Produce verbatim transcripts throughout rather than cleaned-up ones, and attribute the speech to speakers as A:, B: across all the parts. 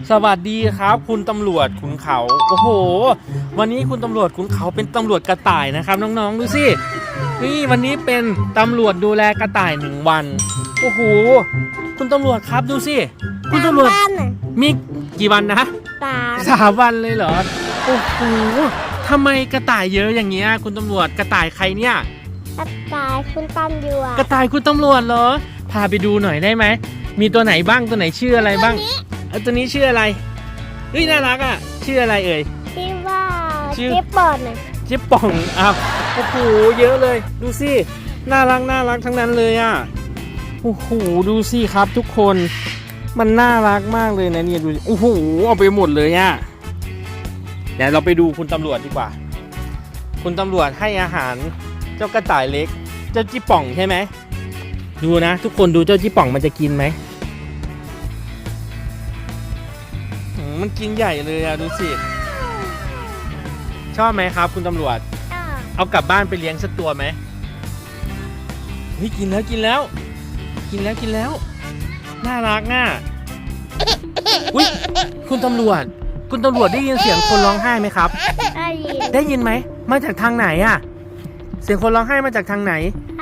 A: สวัสดีครับคุณตำรวจขุนเขาโอ้โหวันนี้คุณตำรวจขุนเขาเป็นตำรวจกระต่ายนะครับน้องๆดูสินี่วันนี้เป็นตำรวจดูแลกระต่ายหนึ่งวันโอ้โหคุณตำรวจครับดูสิคุณตำรวจมีกี่วันนะ
B: สาม
A: สามวันเลยเหรอโอ้โหทำไมกระต่ายเยอะอย่างเงี้ยคุณตำรวจกระต่ายใครเนี่ย
B: กระต่ายคุณตำรวจ
A: กระต่ายคุณตำรวจเหรอพาไปดูหน่อยได้ไหมมีตัวไหนบ้างตัวไหนชื่ออะไรบ้างเออตัวนี้ชื่ออะไรเฮ้ยน่ารักอ่ะชื่ออะไรเอ่ย
B: ชื่อว่าเจ๊ปอน
A: เจ๊ป่องอ้าวโอ้โหเยอะเลยดูสิน่ารักน่ารักทั้งนั้นเลยอ่ะโอ้โหดูสิครับทุกคนมันน่ารักมากเลยนะเนี่ยดูโอ้โหเอาไปหมดเลยอ่ะเดี๋ยวเราไปดูคุณตำรวจดีกว่าคุณตำรวจให้อาหารเจ้ากระต่ายเล็กเจ้าจิป่องใช่ไหมดูนะทุกคนดูเจ้าจิป่องมันจะกินไหมมันกินใหญ่เลยอะดูสิชอบไหมครับคุณตำรวจเอากลับบ้านไปเลี้ยงสักตัวไหมเฮ้ยกินแล้วกินแล้วกินแล้วกินแล้วน่ารักน่ะอุ้ยคุณตำรวจคุณตำรวจได้ยินเสียงคนร้องไห้ไหมครับ
B: ได้ยิน
A: ได้ยินไหมมาจากทางไหนอะเสียงคนร้องไห้มาจากทางไหน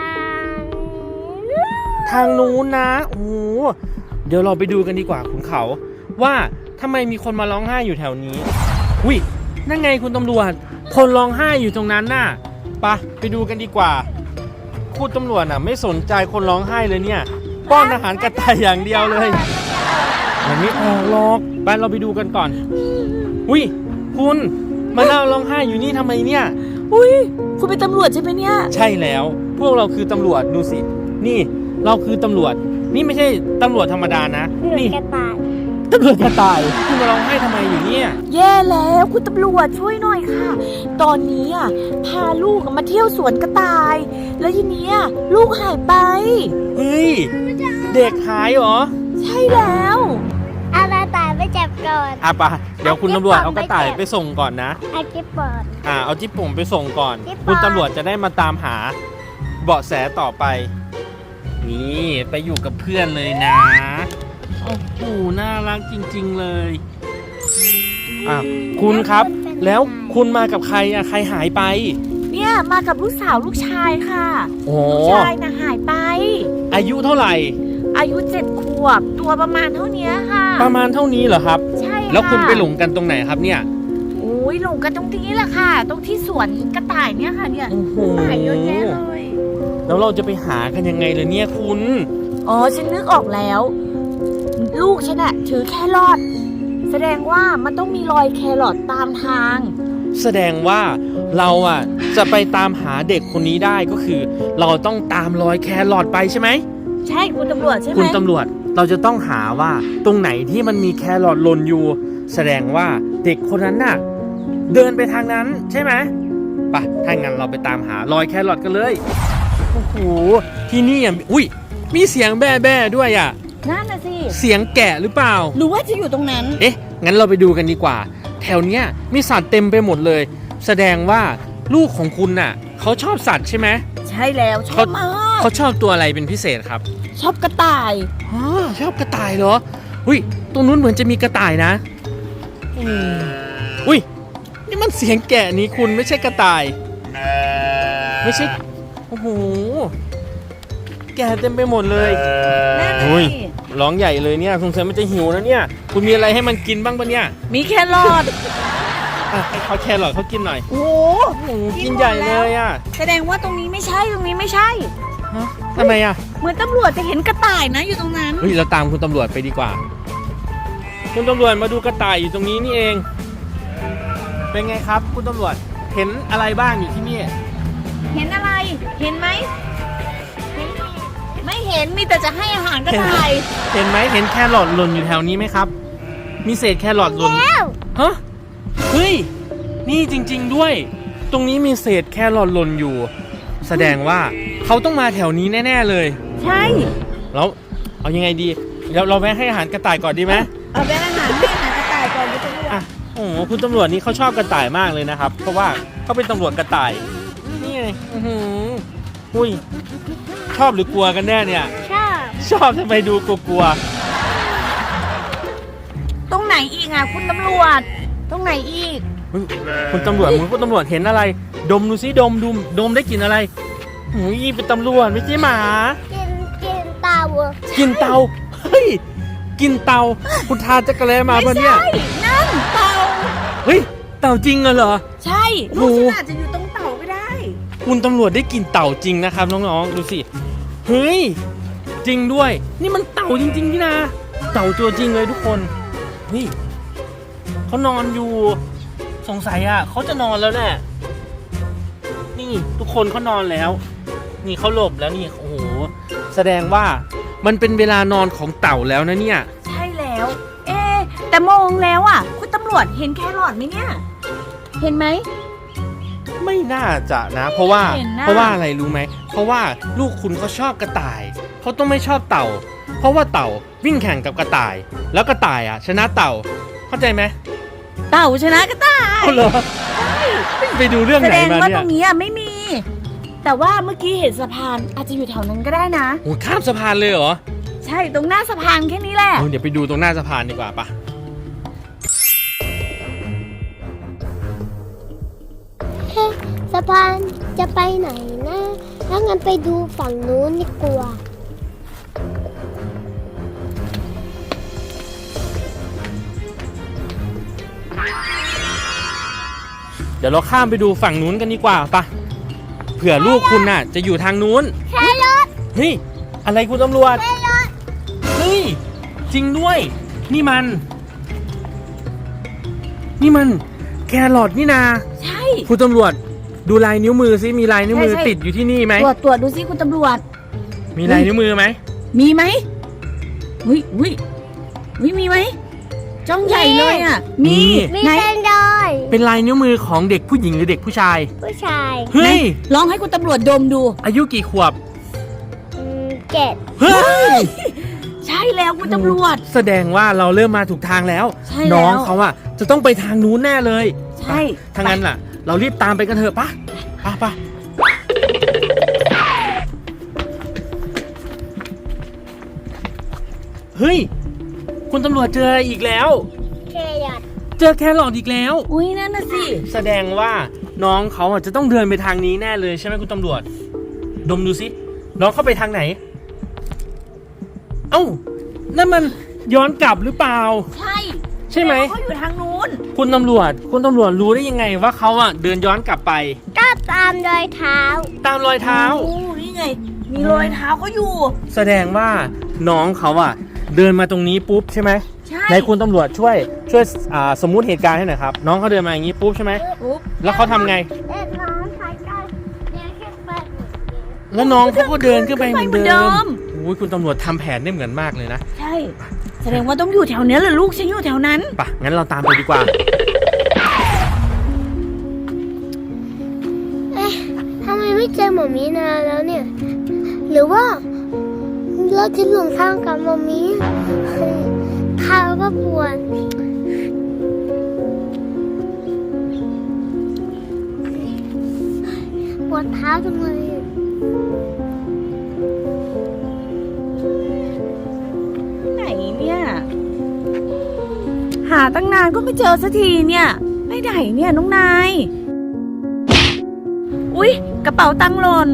A: ทางนู้นนะโอ้เดี๋ยวเราไปดูกันดีกว่าขุนเขาว่าทำไมมีคนมาร้องไห้อยู่แถวนี้อุ้ยนั่นไงคุณตำรวจคนร้องไห้อยู่ตรงนั้นน่ะไปไปดูกันดีกว่าคุณตำรวจน่ะไม่สนใจคนร้องไห้เลยเนี่ยป้อนอาหารกระต่ายอย่างเดียวเลยมันไม่ออกหรอกไปเราไปดูกันก่อนอุ้ยคุณมาเล่าร้องไห้อยู่นี่ทำไมเนี่ย
C: อุ้ยคุณเป็นตำรวจใช่ไหมเนี่ย
A: ใช่แล้วพวกเราคือตำรวจดูสินี่เราคือตำรวจนี่ไม่ใช่ตำรวจธรรมดานะนี่
B: กระต่าย
A: ตำรวจกระต่ายคุณมาร้องไห้ทำไมอยู่เนี่ย
C: แย่แล้วคุณตำรวจช่วยหน่อยค่ะตอนนี้อ่ะพาลูกมาเที่ยวสวนกระต่ายแล้วทีนี้ลูกหายไป
A: เฮ้ยเด็กหายเหรอ
C: ใช่แล้ว
B: เอากระต่ายไปจับก่อน
A: อ่ะปะเดี๋ยวคุณตำรวจเอากระต่ายไปส่งก่อนนะ
B: เอาจิ๊บปอน
A: อ่าเอาจิ๊บป่งไปส่งก่อนคุณตำรวจจะได้มาตามหาเบาะแสต่อไปนี่ไปอยู่กับเพื่อนเลยนะโอ้โหน่ารักจริงๆเลยอ่ะคุณครับแล้วคุณมากับใครอะใครหายไป
C: เนี่ยมากับลูกสาวลูกชายค่ะลูกชายนะหายไป
A: อายุเท่าไหร่
C: อายุเจ็ดขวบตัวประมาณเท่านี้ค่ะ
A: ประมาณเท่านี้เหรอครับ
C: ใช่
A: แล้วคุณไปหลงกันตรงไหนครับเนี่ย
C: โอ้ยหลงกันตรงนี้แหละค่ะตรงที่สวนกระต่ายเนี่ยค่ะเนี่ยกระต่ายเยอะแยะเลย
A: แล้วเราจะไปหากันยังไงเลยเนี่ยคุณ
C: อ๋อฉันนึกออกแล้วลูกฉันอะถือแครอทแสดงว่ามันต้องมีรอยแครอทตามทาง
A: แสดงว่าเราอ่ะจะไปตามหาเด็กคนนี้ได้ก็คือเราต้องตามรอยแครอทไปใช่ไหม
C: ใช่คุณตำรวจใช่ไหม
A: คุณตำรวจเราจะต้องหาว่าตรงไหนที่มันมีแครอทหล่นอยู่แสดงว่าเด็กคนนั้นน่ะเดินไปทางนั้นใช่ไหมไปถ้างั้นเราไปตามหารอยแครอทกันเลยโอ้โหที่นี่อ่ะอุ้ยมีเสียงแบ่แบ่ด้วยอ่ะ
C: นั่นน่ะสิ
A: เสียงแกะหรือเปล่า
C: หรือว่าจะอยู่ตรงนั้น
A: เอ๊ะงั้นเราไปดูกันดีกว่าแถวเนี้ยมีสัตว์เต็มไปหมดเลยแสดงว่าลูกของคุณน่ะเขาชอบสัตว์ใช่ไหม
C: ใช่แล้วชอบมาก
A: เขาชอบตัวอะไรเป็นพิเศษครับ
C: ชอบกระต่าย
A: อ๋อชอบกระต่ายเหรออุ้ยตรงนู้นเหมือนจะมีกระต่ายนะอืมอุ้ยนี่มันเสียงแกะนี้คุณไม่ใช่กระต่ายไม่ใช่โอ้โหแกะเต็มไปหมดเลยอุ้ยร้องใหญ่เลยเนี่ยสงสัยมันจะหิวนะเนี่ยคุณมีอะไรให้มันกินบ้างปะเนี่ย
C: มีแครอท
A: ให้เขาแครอทเขากินหน่อย
C: โอ้โห
A: กินใหญ่เลยอ่ะ
C: แสดงว่าตรงนี้ไม่ใช่ตรงนี้ไม่ใช่
A: ฮะทำไมอ่ะ
C: เหมือนตำรวจจะเห็นกระต่ายนะอยู่ตรงนั้น
A: เฮ้ยเราตามคุณตำรวจไปดีกว่าคุณตำรวจมาดูกระต่ายอยู่ตรงนี้นี่เองเป็นไงครับคุณตำรวจเห็นอะไรบ้างอยู่ที่นี่
C: เห็นอะไรเห็นไหมไม่เห็นมีแต่จะให้อาหารกระต่าย
A: เห็นไหมเห็นแครอทหล่นอยู่แถวนี้ไหมครับมีเศษแครอทหล่นฮะเฮ้ยนี่จริงๆด้วยตรงนี้มีเศษแครอทหล่นอยู่แสดงว่าเขาต้องมาแถวนี้แน่ๆเลย
C: ใช่
A: แล้วเอายังไงดีเดี๋ยวเราแวะให้อาหารกระต่ายก่อนดีไหม
C: เอาแวะอาหารให้อาหารกระต่ายก่อนคุณตำรวจ
A: อ่ะโอ้โหคุณตำรวจนี่เขาชอบกระต่ายมากเลยนะครับเพราะว่าเขาเป็นตำรวจกระต่ายนี่ไงอือหืออุ้ยชอบหรือกลัวกันแน่เนี่ย
B: ชอบ
A: ชอบทำไมดูกลัว
C: ตรงไหนอีกกอ่ะคุณตำรวจตรงไหนอีก
A: เฮ้ยคุณตำรวจคุณตำรวจเห็นอะไร ดมดูซิดมดูดมได้กลิ่นอะไรหูยเป็นตำรวจไม่ใช่หมา
B: กินกินเตาอะ
A: กินเตาเฮ้ยกินเตาคุณทานจักรแลมาปะเนี่ย
C: ใช่นั่นเต่า
A: เฮ้ยเต่าจริงเหรอ
C: ใช่ลูกฉันอาจจะอยู่ตรงเต่าก็ได้
A: คุณตำรวจได้กลิ่นเต่าจริงนะครับน้องๆดูสิเฮ้ยจริงด้วย นี่มันเต่าจริงๆนี่นะเต่าตัวจริงเลยทุกคนเฮ้ยเขานอนอยู่สงสัยอ่ะเขาจะนอนแล้วแหละนี่ทุกคนเขานอนแล้ว นี่เขาหลบแล้วนี่โอ้โหแสดงว่ามันเป็นเวลานอนของเต่าแล้วนะเนี่ย
C: ใช่แล้ว เอ๊ะแต่มองแล้วอ่ะคุณตำรวจเห็นแครอทไหมเนี่ยเห็นไหม
A: ไม่น่าจะนะ เพราะว่า
C: เห็นนะ
A: เพราะว่าอะไรรู้ไหมเพราะว่าลูกคุณเขาชอบกระต่ายเขาต้องไม่ชอบเต่า เพราะว่าเต่าวิ่งแข่งกับกระต่าย แล้วกระต่ายอ่ะชนะเต่าเข้าใจไหม
C: เต่าชนะก็ได้
A: เอาเหรอไปดูเรื่อง
C: แส
A: ไหน
C: ดง
A: มา
C: ว่า
A: เนี่
C: ต
A: ย
C: รงนี้อ่ะไม่มี แต่ว่าเมื่อกี้เห็นสะพานอาจจะอยู่แถวนั้นก็ได้นะ
A: โอ้ข้ามสะพานเลยเหรอ
C: ใช่ตรงหน้าสะพานแค่นี้แหละ
A: เอาเดี๋ยวไปดูตรงหน้าสะพานดีกว่าปะ
B: เฮ้สะพานจะไปไหนนะถ้างั้นไปดูฝั่งนู้นดีกว่า
A: เดี๋ยวเราข้ามไปดูฝั่งนู้นกันดีกว่าปะเผื่อลูกคุณน่ะ จะอยู่ทางนู้น
B: แครอท
A: เฮ้ยอะไรคุณตำรวจ
B: แครอท
A: เฮ้ยจริงด้วย นี่มัน นี่มันแครอทนี่นา
C: ใช่
A: คุณตำรวจดูลายนิ้วมือซิมีลายนิ้วมือ
C: ใช่ใช่
A: ติดอยู่ที่นี่ไหม
C: ตรวจตรวจดูสิคุณตำรวจ
A: มีลายนิ้วมือไหม
C: มีไหมวิวิวิมีไหมจ้องใหญ่เลยอ่ะ มี
B: มี
C: ไหน
B: แคนดอย
A: เป็นลายนิ้วมือของเด็กผู้หญิงหรือเด็กผู้ชาย
B: ผู้ชาย
A: เฮ้ย
C: ลองให้คุณตำรวจดมดู
A: อายุกี่ขวบ
B: อืมเจ็ด
A: เฮ้ย
C: ใช่แล้วคุณตำรวจ
A: แสดงว่าเราเริ่มมาถูกทางแล้ว
C: ใช่แล้ว
A: น้องเขาอะจะต้องไปทางนู้นแน่เลย
C: ใช่
A: ถ้างั้นล่ะ เรารีบตามไปกันเถอะปะปะปะเฮ้ย คุณตำรวจเจออะไรอีกแล้ว
B: แครอท
A: เจอแครอทอีกแล้ว
C: อุ้ยนั่นน่ะสิ
A: แสดงว่าน้องเขาอ่ะจะต้องเดินไปทางนี้แน่เลยใช่ไหมคุณตำรวจ ดมดูสิน้องเข้าไปทางไหน เอ้านั่นมันย้อนกลับหรือเปล่า
C: ใช่
A: ใช่ไหม
C: เขาอยู่ทางนู้น
A: คุณตำรวจ คุณตำรวจรู้ได้ยังไงว่าเขาอ่ะเดินย้อนกลับไป
B: ก็ตามรอยเท้า
A: ตามรอยเท้า
C: โอ้นี่ไง มีรอยเท้าเขาอยู่
A: แสดงว่าน้องเขาอ่ะเดินมาตรงนี้ปุ๊บใช่ไหม
C: ใช่
A: ในคุณตำรวจช่วยช่วยอ่าสมมุติเหตุการณ์ให้หน่อยครับน้องเขาเดินมาอย่างนี้ปุ๊บใช่ไหม
C: ปุ๊บ
A: แล้วเขาทำไง
B: เอ็ดน้องใครก็เดินขึ้นไปเหมือนเดิม
A: แล้วน้องเขาก็เดินขึ้นไปเหมือน
C: ขึ้นไปเหมือนเดิ
A: เดิม
C: ม
A: โอ้ยคุณตำรวจทำแผนได้เหมือนมากเลยนะ
C: ใช่ แสดงว่าต้องอยู่แถวเนี้ยแหละลูกฉันอยู่แถวนั้น
A: ปะงั้นเราตามไปดีกว่า
B: เอ๊ะทำไมไม่เจอหมอมีนานแล้วเนี่ย หรือว่าเราจะหลงทางกับหมอมีเท้าก็ปวดปวดเท้าจังเลย
C: ไหนเนี่ย หาตั้งนานก็ไม่เจอสักทีเนี่ยไปไหนเนี่ยน้องนาย อุ๊ย กระเป๋าตังค์หล่น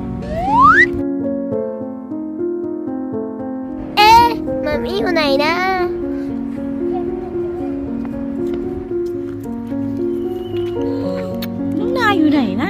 B: เอ๊ะหมอมีอยู่ไหนนะ
C: น้องนายอยู่ไหนนะ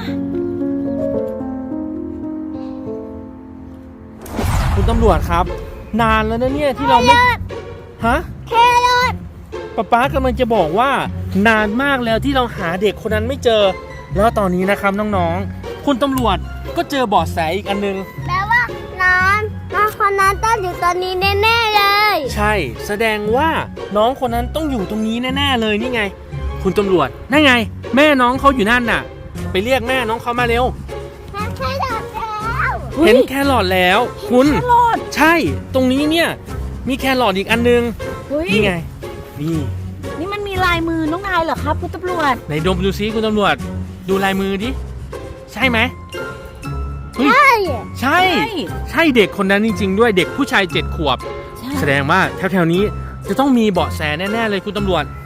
A: คุณตำรวจครับ นานแล้วนะเนี่ยที่เราไม่ฮะ
B: แครอท
A: ป๊าป๊ากำลังจะบอกว่านานมากแล้วที่เราหาเด็กคนนั้นไม่เจอ แล้วตอนนี้นะครับน้องๆคุณตำรวจก็เจอเบาะแสอีกอันนึง
B: แปลว่าน้องน้องคนนั้นต้องอยู่ตอนนี้แน่ๆเลย
A: ใช่แสดงว่าน้องคนนั้นต้องอยู่ตรงนี้แน่ๆเลยนี่ไง คุณตำรวจนั่นไง แม่น้องเขาอยู่นั่นน่ะ ไปเรียกแม่น้องเขามาเร็ว
B: แครอทแล้ว
A: เห็นแครอทแล้ว คุณ
C: แครอท
A: ใช่ ตรงนี้เนี่ยมีแครอทอีกอันนึง
C: เฮ้ย
A: นี่ไง นี่
C: นี่มันมีลายมือน้องนายเหรอครับคุณตำรวจ
A: ไหนดมดูซิคุณตำรวจ ดูลายมือดิ ใช่ไหมเฮ้ย
B: ใช่
A: ใช่ ใช่เด็กคนนั้นจริงๆด้วยเด็กผู้ชายเจ็ดขวบ
C: ใช่
A: แสดงว่าแถวๆนี้จะต้องมีเบาะแสแน่ๆเลยคุณตำรวจ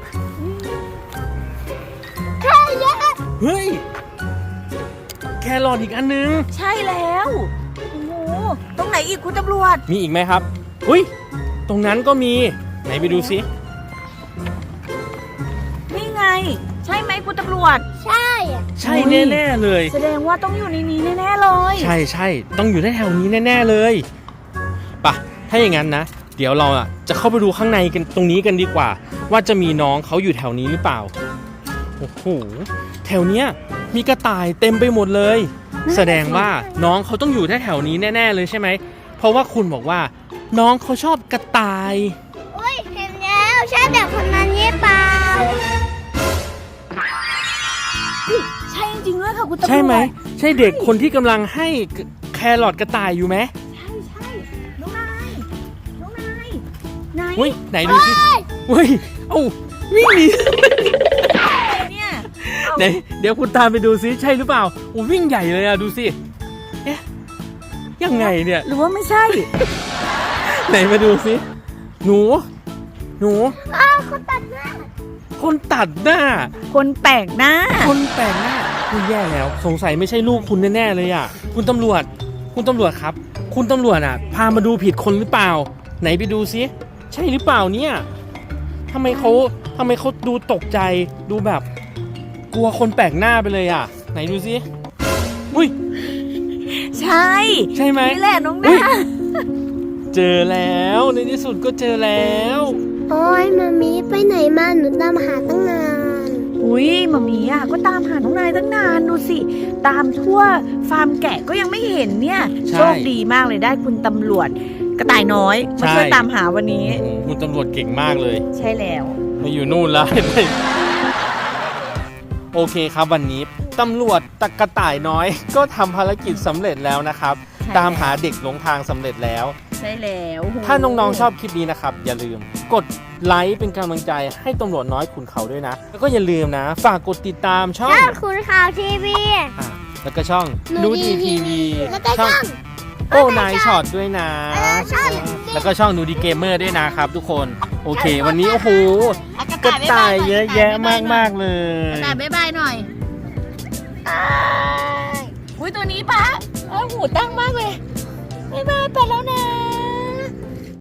B: แค่เนี้ย
A: เฮ้ย แครอทอีกอันนึง
C: ใช่แล้วโอ้โหตรงไหนอีกคุณตำรวจ
A: มีอีกไหมครับอุ้ยตรงนั้นก็มีไหนไปดูซิ
C: นี่ไง ใช่ไหมคุณตำรวจ
B: ใช่อะ
A: ใช่แน่ๆเลย
C: แสดงว่าต้องอยู่ในนี้แน่ๆเลย
A: ใช่ใช่ต้องอยู่แถวๆนี้แน่ๆเลยปะถ้าอย่างนั้นนะ เดี๋ยวเราอ่ะจะเข้าไปดูข้างในกันตรงนี้กันดีกว่า ว่าจะมีน้องเขาอยู่แถวนี้หรือเปล่าโอ้โหแถวเนี้ยมีกระต่ายเต็มไปหมดเลย แสดงว่าน้องเขาต้องอยู่แถวๆนี้แน่ๆเลยใช่ไหมเพราะว่าคุณบอกว่า น้องเขาชอบกระต่าย
B: โอ้ยเห็นแล้วใช่แต่คนนั้นยี่เปล่า
C: ใช่จริงๆด้วยค่ะคุณตำรวจ
A: ใช่ไหมใช่เด็กคนที่กำลังให้แครอทกระต่ายอยู่ไหม
C: ใช่ใช่น้องนายน้องนายนาย
A: เฮ้ยไหนดูสิเฮ้ยเอ้าวิ่งหนี
C: เนี่ย
A: ไหนเดี๋ยวคุณตามไปดูซิใช่หรือเปล่าโอ้วิ่งใหญ่เลยอะดูสิเอ๊ะยังไงเนี่ย
C: หรือว่าไม่ใช่
A: ไหนมาดูซิหนูหนู
B: อ้าวเขาตัดหน้า
A: คนตัดหน้า
C: คนแปลกหน้า
A: คนแปลกหน้าคุณแย่แล้ว สงสัยไม่ใช่ลูกคุณแน่ๆเลยอ่ะคุณตำรวจ คุณตำรวจครับ คุณตำรวจอ่ะ พามาดูผิดคนหรือเปล่า ไหนไปดูซิใช่หรือเปล่าเนี่ยทำไมเขาทำไมเขาดูตกใจดูแบบ กลัวคนแปลกหน้าไปเลยอ่ะ ไหนดูซิอุ้ย
C: ใช่
A: ใช่ไหม
C: นี่แหละน้อง
A: อุ๊
C: นาย
A: เจอแล้วในที่สุดก็เจอแล้ว
B: โอ้ยมามีไปไหนมาหนูตามหาตั้งนาน
C: อุ้ยหมามีอ่ะก็ตามหาน้องนายตั้งนานดูสิ ตามทั่วฟาร์มแกะก็ยังไม่เห็นเนี่ย
A: ใช่
C: โชคดีมากเลยได้คุณตำรวจ กระต่ายน้อยมา
A: ใช่
C: ช่วยตามหาวันนี้
A: โอ้โหคุณตำรวจเก่งมากเลย
C: ใช่แล้ว
A: มาอยู่นู่นแล้ว โอเคครับวันนี้ตำรวจตะกระต่ายน้อย ก็ทำภารกิจสำเร็จแล้วนะครับ
C: ใช่
A: ตามหาเด็กหลงทางสำเร็จแล้ว
C: ใช่แล้ว
A: ถ้าน้องๆชอบคลิปนี้นะครับ อย่าลืมกดไลค์เป็นกำลังใจให้ตำรวจน้อยขุนเขาด้วยนะ แล้วก็อย่าลืมนะ ฝากกดติดตามช่อง
B: ยอดคุณข่าวทีวี
A: อ่ะแล้วก็ช่อง
B: หนู
A: นู
B: ดี
A: ดีทีวี
B: แล้วก็ช่อง
A: โอ้นายช็อตด้วยนะ
B: แล้วก็ช่อง
A: แล้วก็ช่องนูดีเกมเมอร์ด้วยนะครับ ทุกคนโอเค วันนี้โอ้โห
C: อ่ะ
A: กระต่ายเยอะแยะมากมากๆเลย
C: กระต่ายบ๊ายบายหน่อยอุ้ยตัวนี้ปะเออหูตั้งมากเลยบ๊ายบายไปแล้วนะ